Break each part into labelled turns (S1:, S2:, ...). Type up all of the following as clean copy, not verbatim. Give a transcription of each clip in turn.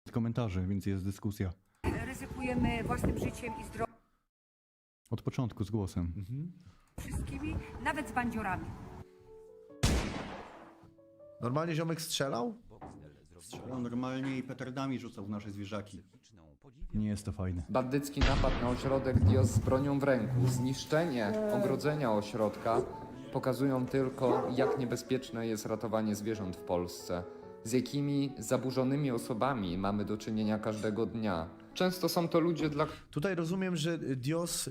S1: komentarzy, więc jest dyskusja.
S2: Ryzykujemy własnym życiem i zdrowiem
S1: Od początku z głosem.
S2: wszystkimi, nawet z bandziorami.
S3: Normalnie ziomek strzelał?
S1: Strzelał normalnie i petardami rzucał w nasze zwierzaki. Nie jest to fajne.
S4: Bandycki napad na ośrodek Dios z bronią w ręku, zniszczenie ogrodzenia ośrodka pokazują tylko, jak niebezpieczne jest ratowanie zwierząt w Polsce. Z jakimi zaburzonymi osobami mamy do czynienia każdego dnia. Często są to ludzie, dla
S3: Tutaj rozumiem, że Dios...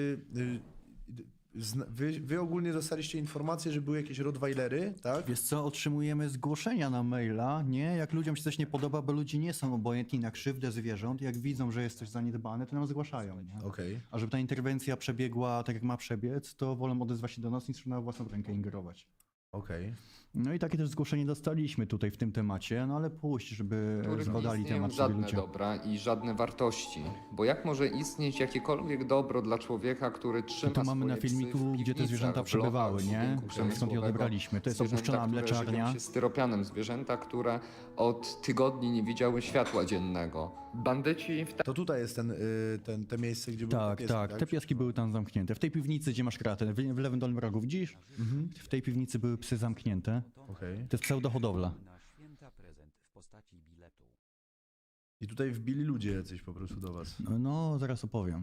S3: Wy ogólnie dostaliście informację, że były jakieś rottweilery, tak?
S1: Wiesz co, otrzymujemy zgłoszenia na maila, nie? Jak ludziom się coś nie podoba, bo ludzie nie są obojętni na krzywdę zwierząt. Jak widzą, że jest coś zaniedbane, to nam zgłaszają, nie?
S3: Okej.
S1: A żeby ta interwencja przebiegła tak, jak ma przebiec, to wolą odezwać się do nas niż na własną rękę ingerować.
S3: Okej.
S1: No i takie też zgłoszenie dostaliśmy tutaj w tym temacie, no ale puść, żeby
S4: których nie
S1: zbadali
S4: istnieją
S1: temat sobie
S4: żadne
S1: ludzie.
S4: dobra i żadne wartości. Bo jak może istnieć jakiekolwiek dobro dla człowieka, który trzyma
S1: Tu mamy na
S4: swoje psy
S1: filmiku,
S4: w
S1: gdzie te
S4: piwnicach,
S1: zwierzęta
S4: w
S1: przebywały,
S4: blokach,
S1: nie?
S4: budynku
S1: Stąd je
S4: przemysłowego.
S1: odebraliśmy. To jest
S4: Zwierzęta,
S1: opuszczona
S4: które
S1: mleczarnia.
S4: żywią się styropianem. Zwierzęta, które od tygodni nie widziały światła dziennego. Bandyci w
S3: To tutaj jest te miejsce, gdzie były te
S1: Tak,
S3: pieski,
S1: tak. Te pieski były tam zamknięte. W tej piwnicy, gdzie masz kratę, w lewym dolnym rogu, widzisz? W tej piwnicy były psy zamknięte.
S3: Okej.
S1: To jest pseudohodowla.
S5: Na święta prezent w postaci biletu.
S3: I tutaj wbili ludzie jacyś po prostu do was.
S1: No, zaraz opowiem.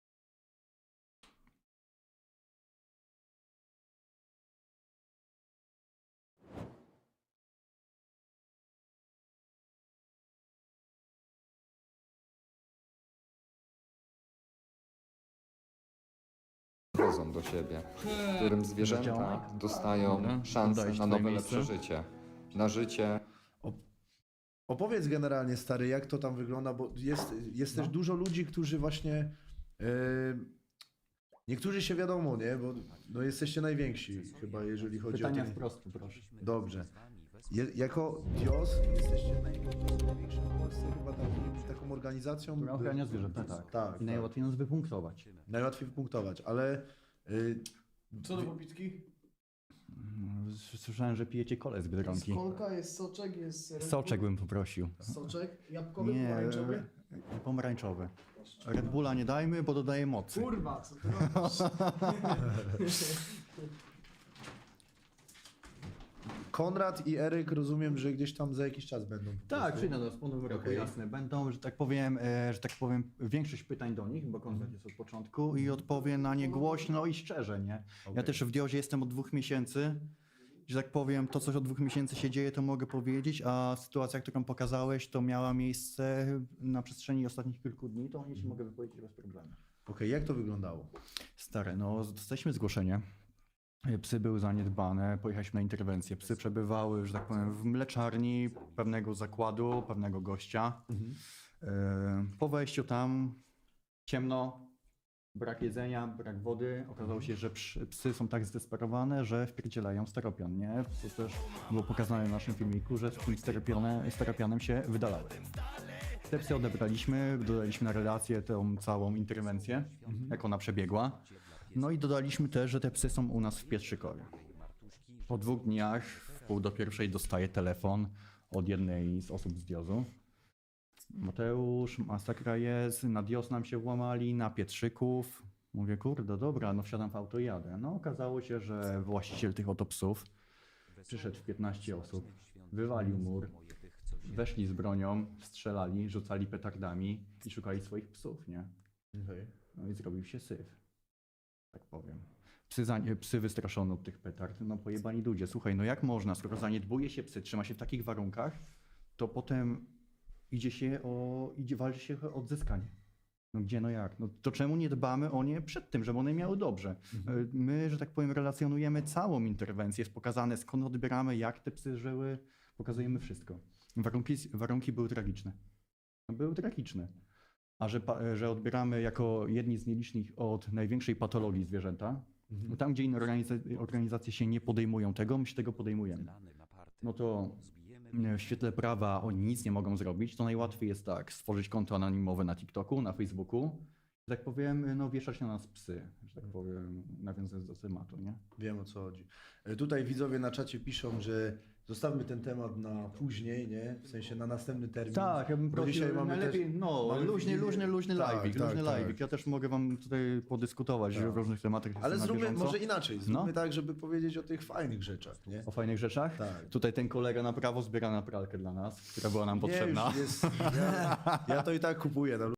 S4: wozą do siebie, w którym zwierzęta dostają
S1: Dobra,
S4: szansę
S1: oddajesz
S4: na
S1: twoje
S4: nowe,
S1: miejsce.
S4: lepsze życie. Na życie
S3: Opowiedz generalnie, stary, jak to tam wygląda, bo jest też dużo ludzi, którzy właśnie... niektórzy się wiadomo, nie? Bo no, jesteście najwięksi chyba, jeżeli chodzi
S1: Pytania
S3: o...
S1: wprost, proszę.
S3: Dobrze. Jako Dios jesteście największą w Polsce chyba taką organizacją...
S1: Która ochrania zwierzęta, tak.
S3: Tak,
S1: I
S3: tak.
S1: najłatwiej nas wypunktować.
S3: Najłatwiej wypunktować, ale...
S6: Co do popitki?
S1: Słyszałem, że pijecie kole z Biedronki.
S6: Jest kolka, jest soczek, jest Red Bull,
S1: Soczek bym poprosił.
S6: soczek, jabłkowy,
S1: Nie,
S6: pomarańczowy.
S1: pomarańczowy. Red Bulla nie dajmy, bo dodaje mocy.
S6: Kurwa, co ty robisz?
S3: Konrad i Eryk rozumiem, że gdzieś tam za jakiś czas będą. po
S1: Tak,
S3: prostu.
S1: przyjdę do wspólnego roku,
S3: Okej.
S1: jasne. Będą, że tak powiem, większość pytań do nich, bo Konrad jest od początku i odpowie na nie głośno i szczerze, nie? Ja
S3: Okej.
S1: też w Diozie jestem od 2 miesięcy, że tak powiem, to coś od 2 miesięcy się dzieje, to mogę powiedzieć, a sytuacja, którą pokazałeś, to miała miejsce na przestrzeni ostatnich kilku dni, to o niej się mogę wypowiedzieć bez problemu.
S3: Okej, jak to wyglądało?
S1: Stare, no dostaliśmy zgłoszenie. Psy były zaniedbane, pojechaliśmy na interwencję. Psy przebywały, że tak powiem, w mleczarni pewnego zakładu, pewnego gościa. Po wejściu tam ciemno, brak jedzenia, brak wody. Okazało się, że psy są tak zdesperowane, że wpierdzielają steropian, nie? To też było pokazane w naszym filmiku, że z tym steropianem się wydalały. Te psy odebraliśmy, dodaliśmy na relację tą całą interwencję, jak ona przebiegła. No i dodaliśmy też, że te psy są u nas w Pietrzykowie. Po 2 dniach, w 12:30 dostaję telefon od jednej z osób z Diozu. Mateusz, masakra jest, na Dios nam się włamali, na Pietrzyków. Mówię, kurde, dobra, no wsiadam w auto i jadę. No okazało się, że właściciel tych oto psów przyszedł w 15 osób, wywalił mur, weszli z bronią, strzelali, rzucali petardami i szukali swoich psów, nie?
S3: Okej.
S1: No i zrobił się syf, tak powiem. Psy wystraszone od tych petard, no pojebani ludzie. Słuchaj, no jak można, skoro zaniedbuje się psy, trzyma się w takich warunkach, to potem walczy się o odzyskanie. No gdzie, no jak? No to czemu nie dbamy o nie przed tym, żeby one miały dobrze? My, że tak powiem, relacjonujemy całą interwencję, jest pokazane skąd odbieramy, jak te psy żyły, pokazujemy wszystko. Warunki były tragiczne. No, były tragiczne. A że odbieramy jako jedni z nielicznych od największej patologii zwierzęta, no tam gdzie inne organizacje się nie podejmują tego, my się tego podejmujemy. No to w świetle prawa oni nic nie mogą zrobić, to najłatwiej jest tak, stworzyć konto anonimowe na TikToku, na Facebooku, że tak powiem, no wieszać na nas psy, że tak powiem, nawiązując do tematu, nie?
S3: Wiem, o co chodzi. Tutaj widzowie na czacie piszą, że zostawmy ten temat na później, nie? W sensie na następny termin.
S1: Tak, ja bym
S3: Bo
S1: prosił,
S3: dzisiaj mamy
S1: najlepiej,
S3: też-
S1: no,
S3: mamy
S1: luźny
S3: Wigilię.
S1: live'ik,
S3: Tak,
S1: luźny
S3: tak,
S1: live'ik.
S3: tak.
S1: Ja też mogę wam tutaj podyskutować w różnych tematach.
S3: Ale
S1: jestem na
S3: zróbmy
S1: bieżąco.
S3: może inaczej. Zróbmy
S1: No.
S3: tak, żeby powiedzieć o tych fajnych rzeczach, nie?
S1: O fajnych rzeczach?
S3: Tak.
S1: Tutaj ten kolega na prawo zbiera na pralkę dla nas, która była nam
S3: Nie,
S1: potrzebna.
S3: już jest, ja to i tak kupuję.